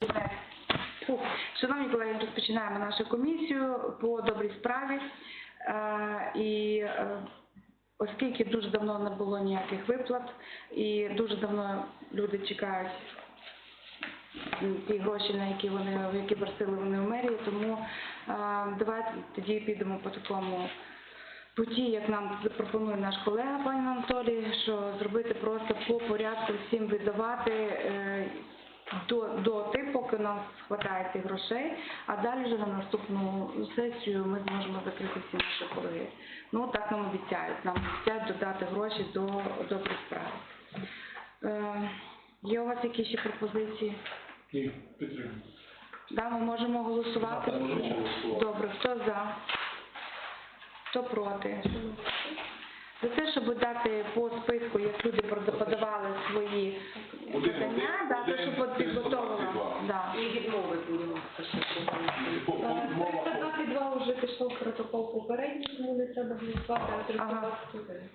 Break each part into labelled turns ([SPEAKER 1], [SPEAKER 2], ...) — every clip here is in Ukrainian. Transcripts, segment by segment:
[SPEAKER 1] Шановні колеги, розпочинаємо нашу комісію по добрій справі. Оскільки дуже давно не було ніяких виплат і дуже давно люди чекають ті гроші, на які просили вони в мерії, тому давайте тоді підемо по такому путі, як нам запропонує наш колега пан Анатолій, що зробити просто по порядку всім видавати до тих, поки нам вистачає цих грошей, а далі вже на наступну сесію ми зможемо закрити всі наші борги. Ну, так нам обіцяють. Нам обіцяють додати гроші до доброї справи. Є у вас якісь ще пропозиції?
[SPEAKER 2] Ні, підтримую.
[SPEAKER 1] Да, ми можемо голосувати? Добре, хто за? Хто проти? За те, щоб дати по списку, як люди подавали свої подання, дати, щоб підготовила.
[SPEAKER 3] І відмови будемо.
[SPEAKER 4] 322 вже пішов протокол попередній, тому не треба голосувати, а 321.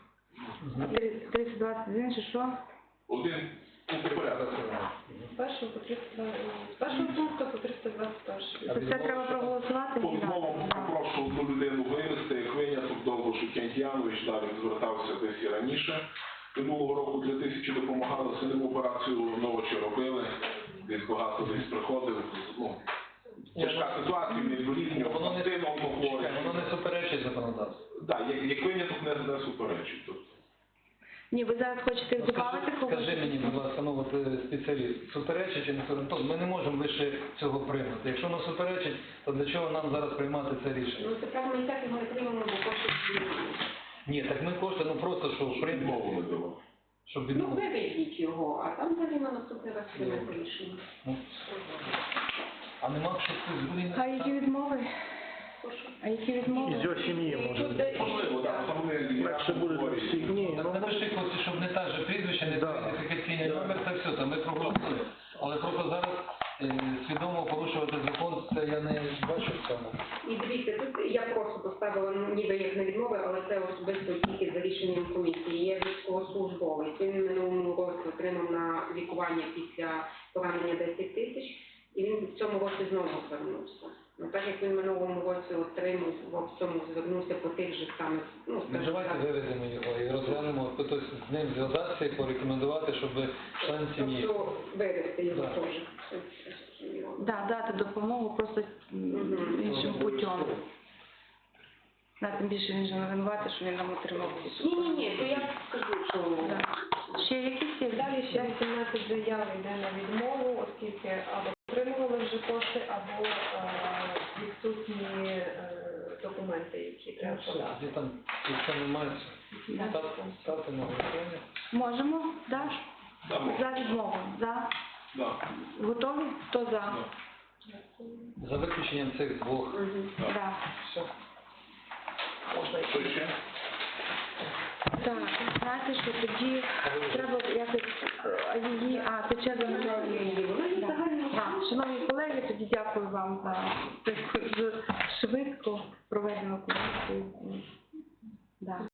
[SPEAKER 1] 321, чи що?
[SPEAKER 2] Один по порядку.
[SPEAKER 4] З першого пункту по 321.
[SPEAKER 1] Це треба проголосувати?
[SPEAKER 2] По відмовам попрошу одну людину вивезти, як виняток Довбуш Кентянович, далі звертався десь і раніше. Минулого року 2000 допомагали, синим операцію ночі робили, десь багато десь приходив. Тяжка ситуація, недолітнього,
[SPEAKER 5] воно не суперечить законодавству.
[SPEAKER 2] Так, як виняток не суперечить.
[SPEAKER 1] Ні, ви зараз хочете додати когось?
[SPEAKER 5] Скажи мені, будь ласка, ну от спеціаліст, суперечить чи не суперечить? Ми не можемо лише цього приймати. Якщо воно суперечить, то для чого нам зараз приймати це рішення?
[SPEAKER 3] Ну, це правда, ми і так його не приймемо, бо кошти
[SPEAKER 5] Ні, так ми кошти, ну просто, що приймемо, щоб
[SPEAKER 3] ну,
[SPEAKER 5] відмовити.
[SPEAKER 3] виведіть його, а там далі на наступний раз приймемо рішення.
[SPEAKER 5] А нема щось другої?
[SPEAKER 1] А які відмови? А які відмови?
[SPEAKER 6] Із його сім'ї може.
[SPEAKER 2] Можливо, так,
[SPEAKER 6] Легше буде для всіх. Ні,
[SPEAKER 5] Так напиши, хлопці, щоб не так же прізвище, не ідентифікаційний номер, це все, там ми проголосуємо. Але просто зараз свідомо порушувати закон, це я не бачу в цьому.
[SPEAKER 3] І дивіться, тут я просто поставила ніби як на відмови, але це особисто тільки за рішенням комісії. Є військовослужбовець. Він минулому році отримав на лікування після поранення 10 тисяч, і він в цьому році знову звернувся. Ну, так як він минулому році отримав, в цьому звернувся по тих же самих, ну, скажімо,
[SPEAKER 5] Давайте виведемо його і розглянемо, хтось з ним зв'язатися і порекомендувати, щоб член сім'ї.
[SPEAKER 3] тобто вивести його
[SPEAKER 5] Так.
[SPEAKER 3] теж.
[SPEAKER 1] Да, дати допомогу просто іншим путем. Тим більше він же не винуватий, що він нам отримав ці.
[SPEAKER 3] Ні, то я скажу, що...
[SPEAKER 1] Ще якісь є?
[SPEAKER 4] Далі ще 17 заяв йде на відмову, оскільки або отримували вже кошти, або відсутні документи, які треба подати.
[SPEAKER 5] Де там це немає? Ставте на голосування.
[SPEAKER 1] Можемо? Да? За відмову. За? Готові? Хто за?
[SPEAKER 5] За виключенням цих двох.
[SPEAKER 1] Да.
[SPEAKER 5] Все.
[SPEAKER 2] Що ще?
[SPEAKER 1] Так, знаєте, що тоді треба якось її... це черга на Шановні колеги, тоді дякую вам за таку швидко проведену комісію. Да.